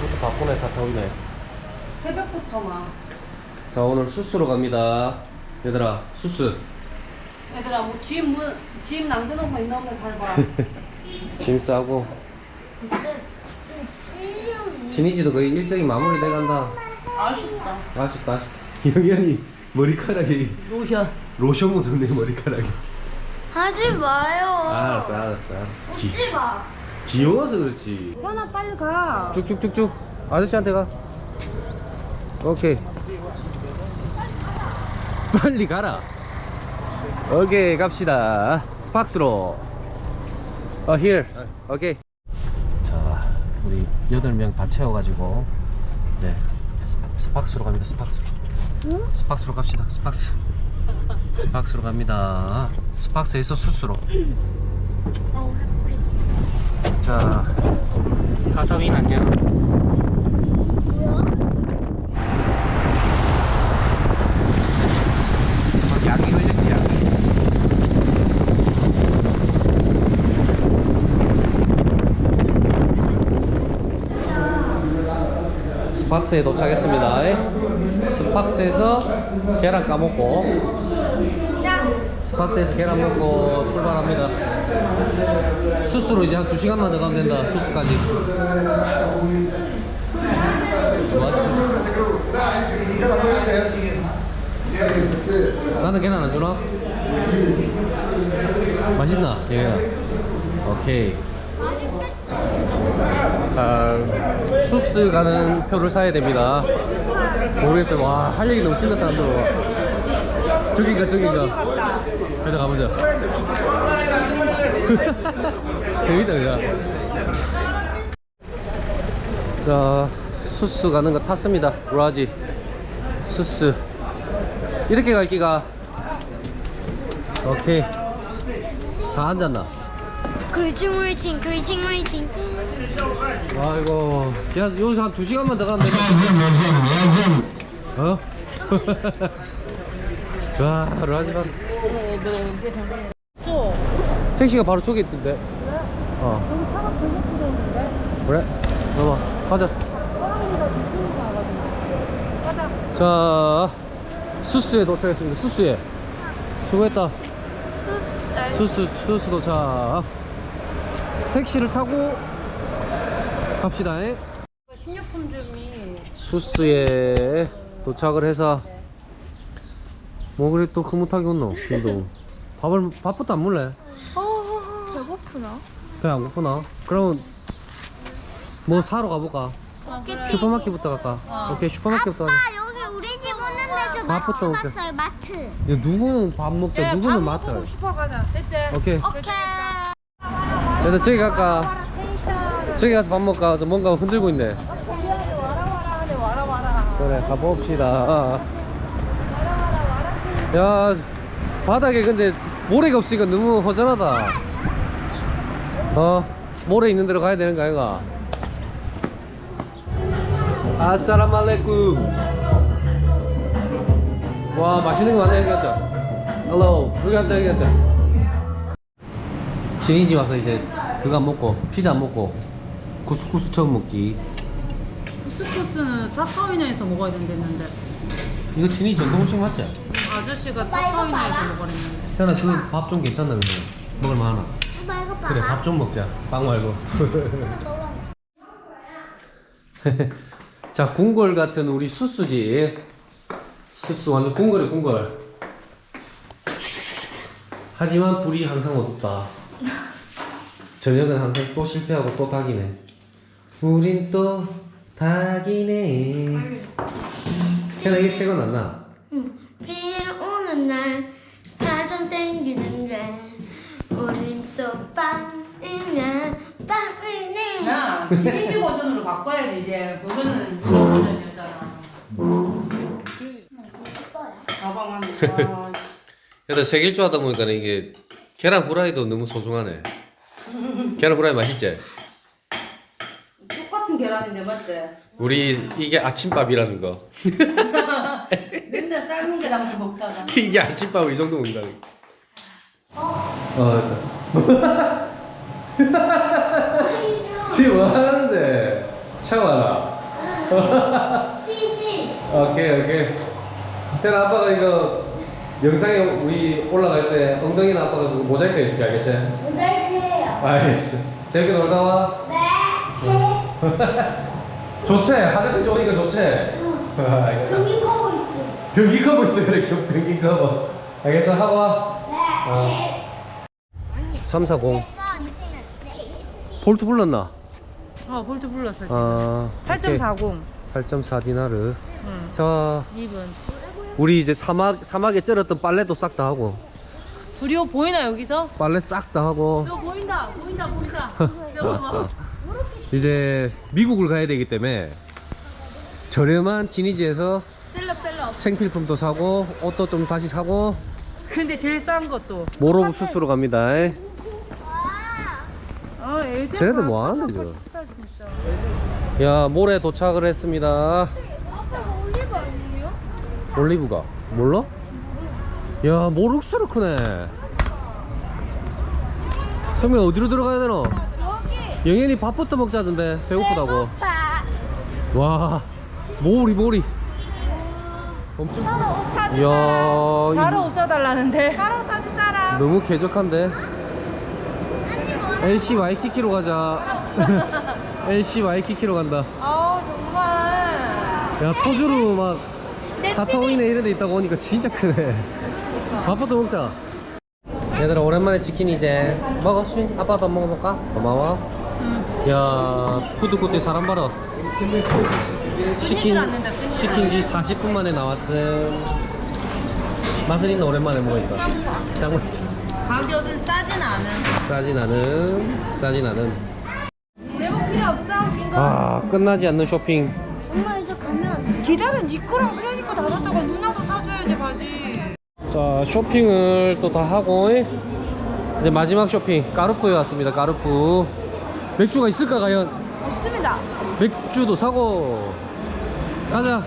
새벽부터 바쁘네. 다 타오네. 새벽부터만. 자, 오늘 수스로 갑니다. 얘들아, 수스. 얘들아, 뭐 집 남겨놓은 거 있나 보다. 잘 봐. 짐 싸고. 진이지도 거의 일정이 마무리돼 간다. 아쉽다. 아쉽다. 영현이 머리카락이 로션 묻었네, 머리카락이. 하지 마요. 알았어. 웃지 마. 귀여워서 그렇지. 현아, 빨리 가. 쭉쭉쭉쭉. 아저씨한테 가. 오케이. 빨리 가라. 오케이, 갑시다. 스팍스로. here. 오케이. 자, 우리 8명 다 채워가지고, 네, 스팍스로 갑니다. 스팍스로. 스팍스로 갑시다. 스팍스로 갑니다. 스팍스에서 수스로. 자, 타타윈 안녕. 약이 걸렸지, 약이. 스팍스에 도착했습니다. 스팍스에서 계란 까먹고, 스팍스에서 계란 먹고 출발합니다. 수스로 이제 한 2시간만 더 가면 된다. 수스까지. 나는 계란 안 주나? 맛있나? 얘가. 오케이. 수스 가는 표를 사야 됩니다. 모르겠어요. 와, 할 얘기 넘친다, 사람들. 저긴가. 일단 가보자. 재밌다, 그냥. 자, 수스 가는 거 탔습니다. 라지. 수스. 이렇게 갈 기가. 오케이. 다 앉았나? 크리칭. 아이고. 야, 여기서 한 2시간만 더 가면 되겠다. 어? 와, 라지만. 택시가 바로 저기 있던데. 어. 여기 차가 되게 부르는데? 그래? 봐봐. 가자. 가자. 자, 수스에 도착했습니다. 수스에. 수고했다. 수스 도착. 택시를 타고 갑시다. 식료품점이 수스에 도착을 해서 뭐 그래 또 흐뭇하게 웃노. 지금도 밥부터 안 먹을래? 배고프나? 배 안 고프나? 그러면 뭐 사러 가볼까? 슈퍼마켓부터 갈까? 오케이, 슈퍼마켓부터 가자. 여기 우리 집 오는데 저 밥부터 먹자. 봤어요. 마트. 야, 누구는 밥 먹자, 누구는 마트. 슈퍼 가자. 됐지? 오케이. 오케이. 그래도 저기 갈까? 저기 가서 밥 먹을까? 저 뭔가 흔들고 있네. 와라. 그래, 가봅시다. 야, 바닥에 근데 모래가 없으니까 너무 허전하다. 모래 있는 데로 가야 되는 거 아이가? 아싸라말레쿰. 와, 맛있는 거 많네. 여기 앉아. 헬로. 여기 앉아. 진이집 와서 이제 그거 안 먹고, 피자 안 먹고, 쿠스쿠스 처음 먹기. 쿠스쿠스는 타카위나에서 먹어야 된댔는데 이거 진이 전통 음식 맞지? 아저씨가 타카위나에서 먹으랬는데. 현아, 그 밥 좀 괜찮나 근데? 먹을만하나? 오빠 이거 봐. 그래, 밥 좀 먹자. 빵 말고. 자, 궁궐 같은 우리 수수지. 수수 완전 궁궐. 하지만 불이 항상 어둡다. 저녁은 항상 또 실패하고 또 닭이네. 우린 또 닭이네. 현아, 이게 책은 안 나? 비 오는 날 가전 땡기는데 우린 또 빵이네. 야, 티니지 버전으로 바꿔야지. 이제 버전은 무료 버전이었잖아. 가방만. 얘들 세길조 하다 보니까 이게 계란 후라이도 너무 소중하네. 계란 후라이 맛있지? 똑같은 계란인데 맞지? 우리 이게 아침밥이라는 거. 맨날 삶은 계란만 먹다가. 이게 아침밥을 이 정도 먹는다. 지금 뭐 하는데? 샤워하나? 씨씨. 오케이. 태나 아빠가 이거 영상에 우리 올라갈 때 엉덩이나 아빠가 그거 모자이크 해줄게, 알겠지? 모자이크해요. 알겠어. 재밌게 놀다 와. 네. 좋지? 화장실 좋으니까 좋지? 알겠다. 여기 커버 있어. 변기 커버 있어, 그래. 변기 커버. 알겠어, 하고 와. 네. 340. 볼트 불렀나? 볼트 불렀어 지금. 아, 8.40. 8.4디나르. 응. 자, 2분. 우리 이제 사막에 쩔었던 빨래도 싹 다 하고, 우리요 보이나 여기서? 빨래 싹 다 하고, 저 보인다. 저거 봐. 이제 미국을 가야 되기 때문에 저렴한 지니지에서 셀럽. 생필품도 사고, 옷도 좀 다시 사고, 근데 제일 싼 것도. 모로브 수스로 갑니다. 애들 쟤네들 뭐 하는데, 지금? 야, 몰에 도착을 했습니다. 올리브 아니에요? 올리브가 몰라? 야, 모룩스로 크네. 성민아, 어디로 들어가야 되노? 여기. 영현이 밥부터 먹자던데, 배고프다고. 배고파. 와, 모리 엄청. 이야, 자로 옷 사달라는데. 바로 사줄 사람. 너무 쾌적한데. LC 와이키키로 가자. LC 와이키키로 간다. 정말. 야, 토주루 막 카타오이네 이런 데 있다고 오니까 진짜 크네. 밥부터 먹자. 얘들아, 오랜만에 치킨 이제 먹어. 쉰 아빠도 한번 먹어볼까? 고마워. 야, 푸드코트에 사람 봐라. 시킨 지 40분 만에 나왔음. 맛은 있나? 오랜만에 먹으니까 짱 맛있어. 가격은 싸진 않은. 싸진 않은. 내목 필요 없어. 아, 끝나지 않는 쇼핑. 엄마 이제 가면. 기다려. 네 거랑 수현이 거다 샀다가 누나도 사줘야지 바지. 자, 쇼핑을 또 다 하고 이제 마지막 쇼핑 까르푸에 왔습니다. 까르푸. 맥주가 있을까 과연? 없습니다. 맥주도 사고 가자.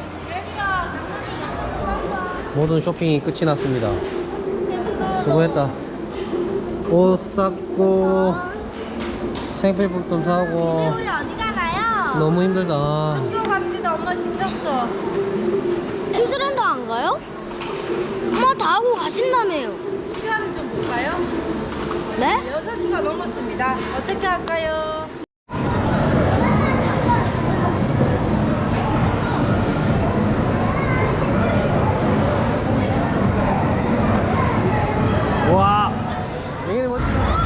모든 쇼핑이 끝이 났습니다. 수고했다. 옷 샀고 생필품 사고. 우리 어디 가나요? 너무 힘들다. 숙소 갑시다. 엄마 지쳤어. 키스랜드 안 가요? 엄마 다 하고 가신다며요. 시간은 좀 볼까요? 네? 6시가 넘었습니다. 어떻게 할까요? 와, 영현이 멋지다.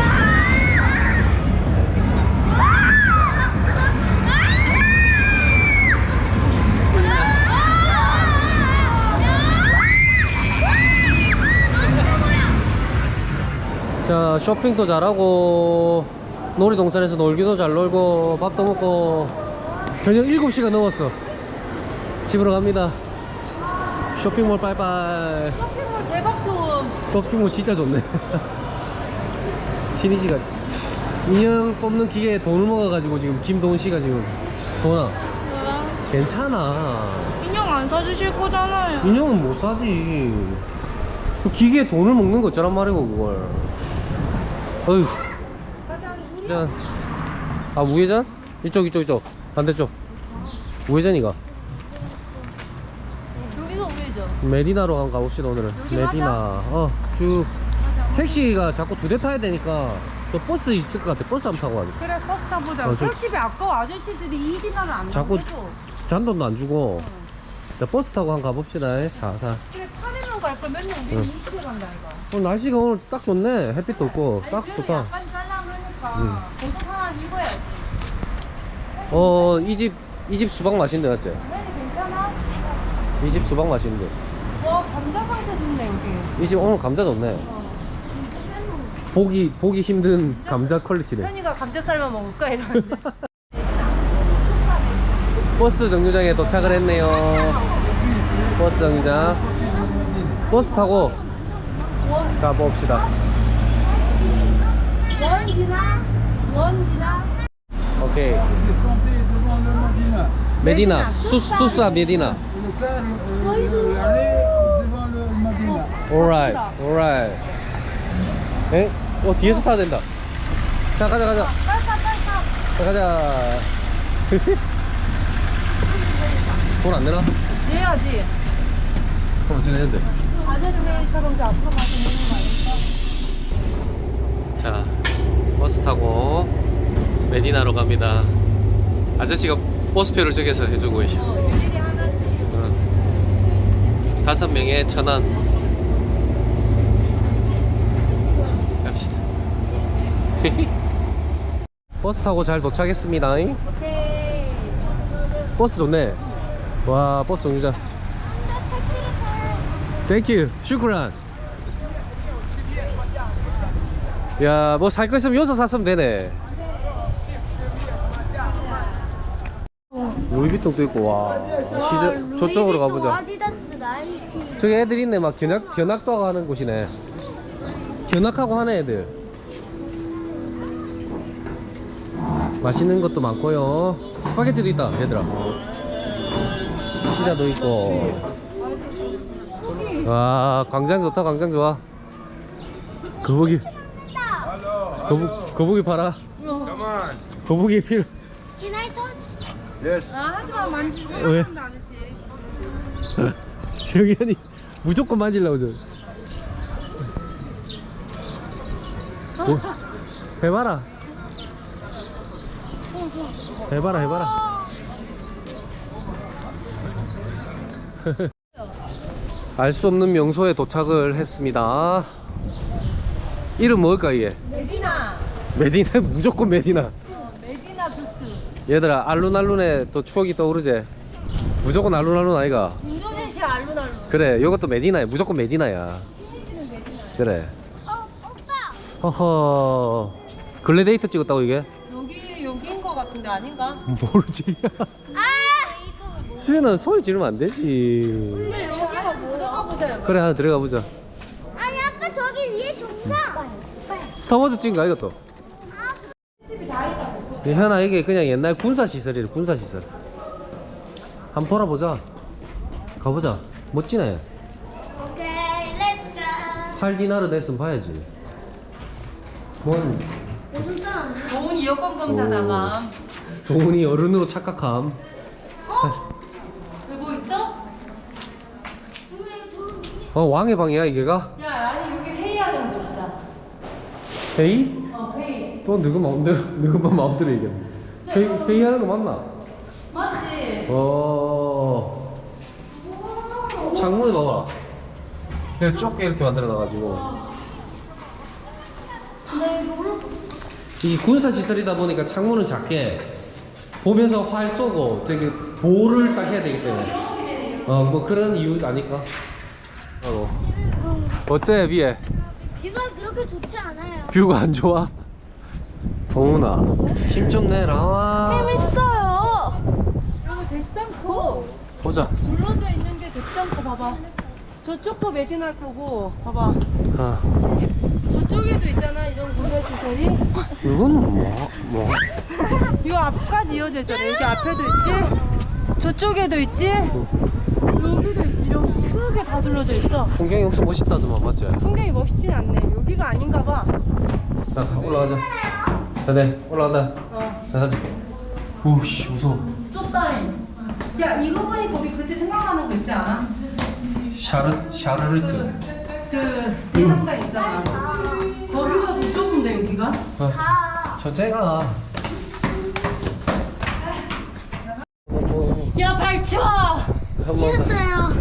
자, 쇼핑도 잘하고 놀이동산에서 놀기도 잘 놀고 밥도 먹고 저녁 7시가 넘었어. 집으로 갑니다. 쇼핑몰 빠이빠이. 쇼핑몰 대박 좋음. 쇼핑몰 진짜 좋네. 티니지가 인형 뽑는 기계에 돈을 먹어가지고 지금 김도훈 씨가 지금 도나 괜찮아. 인형 안 사주실 거잖아요. 인형은 못 사지. 그 기계에 돈을 먹는 거 어쩌란 말이고 그걸. 어휴. 짠. 아, 우회전? 이쪽 반대쪽. 우회전이가. 여기서 우회죠. 메디나로 한번 가봅시다. 오늘은 여기 메디나. 쭉 택시가 자꾸 2대 타야 되니까 저 버스 있을 것 같아. 버스 한번 타고 가자. 그래 버스 타보자. 저- 택시비 아까워. 아저씨들이 2디나를 안 자꾸 나오고 해줘. 잔돈도 안 주고. 자, 버스 타고 한번 가봅시다. 사사. 그래 8일만 갈 거면 맨날 우리 20일 간다 이거. 날씨가 오늘 딱 좋네. 햇빛도 없고 딱 아니, 좋다. 약간 쌀랑하니까 고속 하나 입어야지. 이 집 수박 맛있는데 맞지? 그래도 괜찮아? 이 집 수박 맛있는데. 감자 상태 좋네 여기. 이 집 오늘 감자 좋네. 보기 힘든 감자 퀄리티네. 현이가 감자 삶아 먹을까 이러는데. 버스 정류장에 도착을 했네요. 버스 정류장. 버스 타고 가봅시다. 원기나. 오케이. 메디나. 수사 메디나. Alright. 에? 뒤에서 타야 된다. 자, 가자. 자, 가자. 돈 안 내나? 해야지. 그럼 어찌 내는데? 아저씨처럼 저 앞으로 가서 먹는 거 아닐까? 자, 버스 타고 메디나로 갑니다. 아저씨가 버스표를 저기서 해주고 계셔. 일일이 하나씩. 5명에 1,000원. 갑시다. 버스 타고 잘 도착했습니다. 버스 좋네. 와, 버스 정류장. 땡큐. 슈크란. 야, 뭐 살 거 있으면 여기서 샀으면 되네. 루이비통도 있고. 와, 시저, 저쪽으로 가보자. 아디다스 나이키. 저기 애들 있네. 막 견학도 하는 곳이네. 견학하고 하는 애들. 맛있는 것도 많고요. 스파게티도 있다, 얘들아. 피자도 있고. 와, 광장 좋다. 광장 좋아. 거북이. 거북이 팔아. 거북이 필요. Can I touch? Yes. 아, 하지마. 만지지. 왜? 생각한다, 아저씨. 경현이 무조건 만질라고 저. 해봐라. 해봐라. 알 수 없는 명소에 도착을 했습니다. 이름 뭘까 이게? 메디나. 메디나. 무조건 메디나. 메디나 부스. 얘들아, 알룬알룬에 또 추억이 떠오르지? 무조건 알룬알룬 아이가? 인도네시아 알루날루. 그래, 요것도 메디나야. 무조건 메디나야. 그래. 오빠. 허허. 글래데이터 찍었다고 이게? 여기인 거 같은데 아닌가? 모르지. 아! 수연아, 소리 지르면 안 되지. 근데 여기가 뭐야? 들어가 보자. 여기. 그래, 하나 들어가 보자. 아니 아빠 저기 위에 종상. 스타워즈 찍은 거야 이것도? 현아, 이게 그냥 옛날 군사시설이래. 군사시설. 한번 돌아보자. 가보자. 멋지네. 오케이, 렛츠 고. 팔디나르 냈으면 봐야지. 뭔 무슨 뜻? 좋은 여권 검사다가. 동훈이 어른으로 착각함. 뭐 있어? 왕의 방이야 이게가? 야, 아니 여기 회의하는 곳이다. 회의? 회의. 또 누구 마음대로 누구만 마음대로 얘기해. 회의하는 거 맞나? 맞지? 창문을 봐봐. 그래서 좁게 이렇게 만들어 놔가지고. 네, 이거 올라. 이 군사 시설이다 보니까 창문은 작게 보면서 활 쏘고 되게 보호를 딱 해야 되기 때문에 뭐 그런 이유 아닐까? 어때 비에? 비가 그렇게 좋지 않아요. 뷰가 안 좋아? 동훈아 힘 좀 내라. 재밌어요. 여기 대장코. 보자. 둘러져 있는 게 대장코 봐봐. 저쪽도 메디나 거고 봐봐. 아, 저쪽에도 있잖아 이런 군사시설이. 이건 뭐? 이 앞까지 이어져 있잖아. 여기 앞에도 있지. 저쪽에도 있지. 여기도 있지. 이렇게 크게 다 둘러져 있어. 풍경이 엄청 멋있다더만 맞지? 풍경이 멋있진 않네. 여기가 아닌가 봐. 자 올라가자. 자, 네 올라간다. 자 가자. 오씨 무서워. 좁다잉. 야, 이거 보니까 우리 그때 생각나는 거 있지 않아? 샤르르트. 그 해상장 있잖아. 거기보다 더 좁은데 여기가? 저째가. 야, 발 치워! 치웠어요.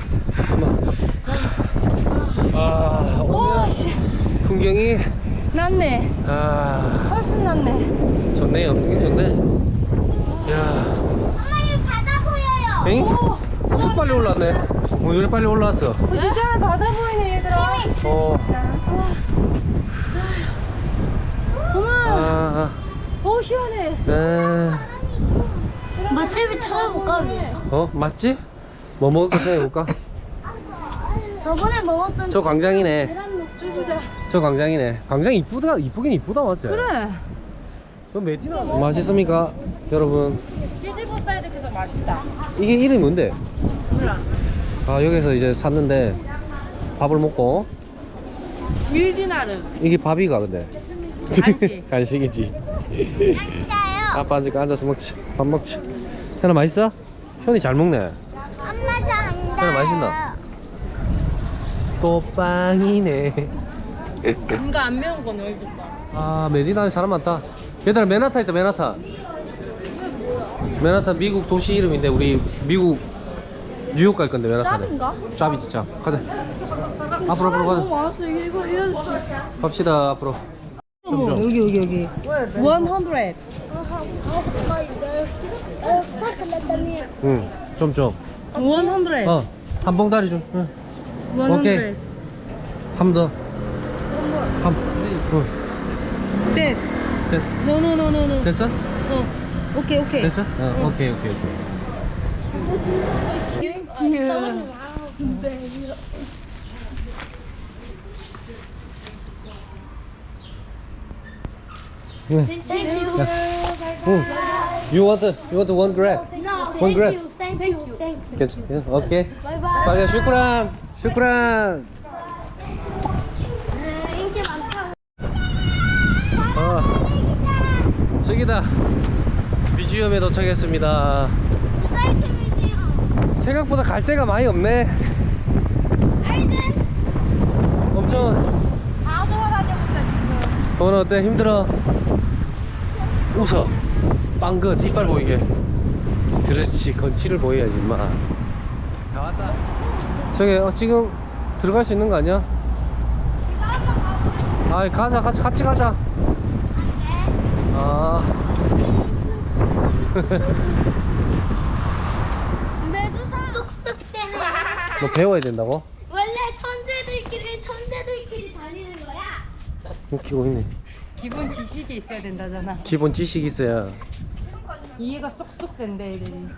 아 오면 오씨, 풍경이 낫네. 훨씬 낫네. 좋네요. 풍경 좋네. 야, 엄마 여기 바다 보여요. 엥? 엄청 빨리 올라왔네. 왜 이렇게 빨리 올라왔어? 진짜 바다 보이네 얘들아. 어머, 오 시원해. 맛집을 찾아볼까 위해서? 맛집? 뭐 먹을까 생각해볼까? 저번에 먹었던 저 광장이네. 계란 녹두. 보자. 저 광장이네. 광장 이쁘긴 이쁘다 맞지? 그래. 그럼 메디나 맛있습니까 여러분? 치즈볼 사이드 그거 맛있다. 이게 이름이 뭔데? 몰라. 아 여기서 이제 샀는데 밥을 먹고 밀디나르. 이게 밥이가 근데 간식. 간식이지. 맛있어요. 아빠 앉을까 앉아서 먹지. 밥 먹지. 현아 맛있어? 현이 잘 먹네. 엄마도 안 사람 맛있나? 또 빵이네. 뭔가 안 매운 거 넣어줄까? 아, 메디나에 사람 많다. 얘들아, 맨하탄 있다, 맨하탄. 맨하탄 미국 도시 이름인데 우리 미국 뉴욕 갈 건데 맨하탄에. 짭인가? 짭이 진짜. 가자. 앞으로 가자. 많았어. 이거 갑시다 앞으로. 여기 100. 응. 좀. 100. 한 봉다리 좀. 응. 오케이. 한 더. 응. 됐어. 됐어. 노. 됐어? 오케이. 됐어? 오케이. 응. Thank you. 응. You want one grab? No, One grab. Thank you. 괜찮아. 오케이. Bye bye. 빨리 슈크란. 인기 많다. 저기다. 뮤지엄에 도착했습니다. 모자이크 뮤지엄. 생각보다 갈 데가 많이 없네. 알지? 엄청. 다 돌아다녀본다 지금. 오늘 어때? 힘들어? 웃어. 빵긋 이빨 보이게. 그렇지. 건치를 보여야지 인마. 다 왔다. 저기 지금 들어갈 수 있는 거 아니야? 아이 가자 같이 가자. 아. 메두사 쏙쏙대네. 너 배워야 된다고? 원래 천재들끼리 달리는 거야. 웃기고 있네. 기본 지식이 있어야 된다잖아. 기본 지식이 있어야. 이해가 쏙쏙 된다 애들이.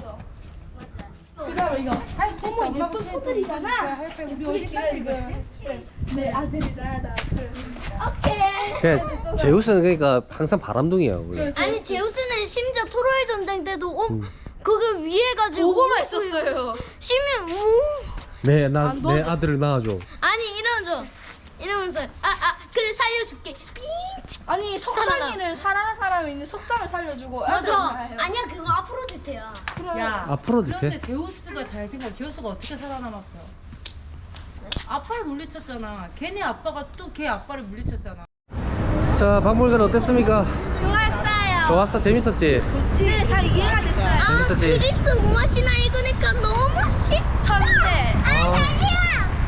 그다음에 이거 할 수 있어. 예쁜 소들이잖아. 우리 어디까지 읽었지? 내 아들이 나다. 오케이. 그냥 제우스는 그러니까 항상 바람둥이야 원래. 아니 제우스는 심지어 트로이 전쟁 때도 그거 위에 가지고 보고만 있었어요. 심지어 내 아들을 낳아줘. 아니 이러면서 그래 살려줄게. 삥. 아니 석상이를 사랑하는 사람이 있는 석상을 살려주고 맞아. 아니야 그거 아프로디테야. 야. 아프로디테? 그런데 제우스가 잘 생각. 제우스가 어떻게 살아남았어? 아빠를 물리쳤잖아. 걔네 아빠가 또 걔 아빠를 물리쳤잖아. 자, 박물관 어땠습니까? 좋았어요. 좋았어? 재밌었지? 네, 다 이해가 됐어요. 재밌었지? 그리스 로마시나 읽으니까 너무 천재. 아니야.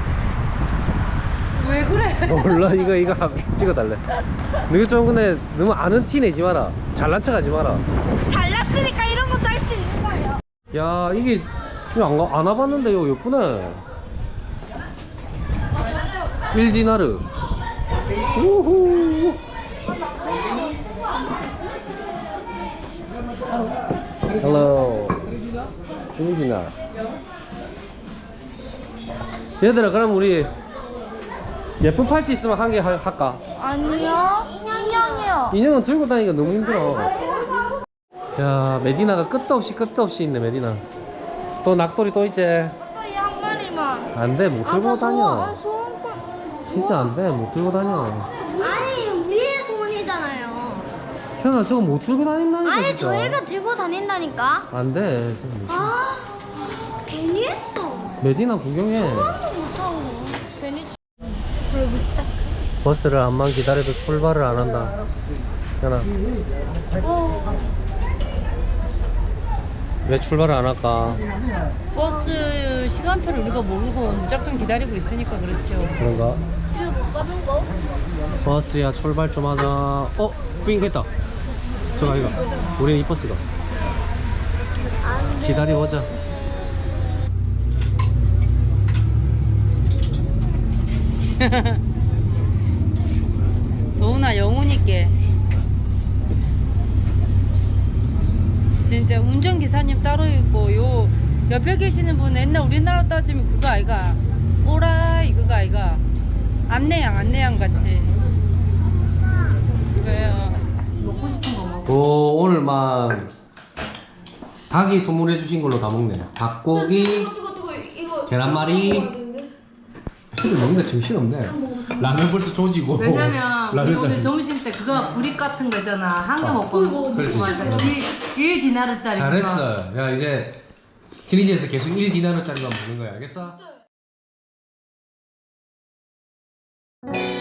왜 그래? 몰라 이거 찍어달래. 너희 좀 근데 너무 아는 티 내지 마라. 잘난 척 하지 마라. 잘났으니까 이런 것도 할 수 있는 거예요. 야 이게 안 와봤는데 이거 예쁘네. 1디나르. 우후. 헬로. 1디나르. 얘들아 그럼 우리 예쁜 팔찌 있으면 한 개 할까? 아니요 인형이요. 인형은 들고 다니기가 너무 힘들어. 야 메디나가 끝도 없이 있네 메디나. 또 낙돌이 또 있지. 한 마리만. 안돼 못 들고 다녀. 소원권. 진짜 안돼 못 들고 다녀. 아니 우리의 소원이잖아요. 현아 저거 못 들고 다닌다니까. 아니 진짜. 저희가 들고 다닌다니까. 안돼. 아 괜히 했어. 메디나 구경해. 소원도 못하고. 괜히 버스를 암만 기다려도 출발을 안 한다. 현아. 왜 출발을 안 할까? 버스 시간표를 우리가 모르고 무작정 기다리고 있으니까 그렇죠. 그런가? 집에 못 가는 거? 버스야 출발 좀 하자. 삥 했다. 저가 이거. 우리는 이 버스가. 기다려보자. 도훈아 영훈 있게. 진짜 운전기사님 따로 있고 요 옆에 계시는 분 옛날 우리나라 따지면 그거 아이가 오라이 그거 아이가 안내양 같이. 왜요? 먹고 싶은 거 먹어. 오 오늘만 닭이 선물해 주신 걸로 다 먹네. 닭고기, 계란말이. 애들 먹는데 정신없네. 라면 벌써 조지고. 왜냐면 우리 라면 오늘 다시. 점심 때 그거 브릭 같은 거 있잖아. 한 개 먹고 그렇지. 맞아. 1디나르짜리 잘했어. 야 이제 트리지에서 계속 1디나르짜리만 보는 거야, 알겠어?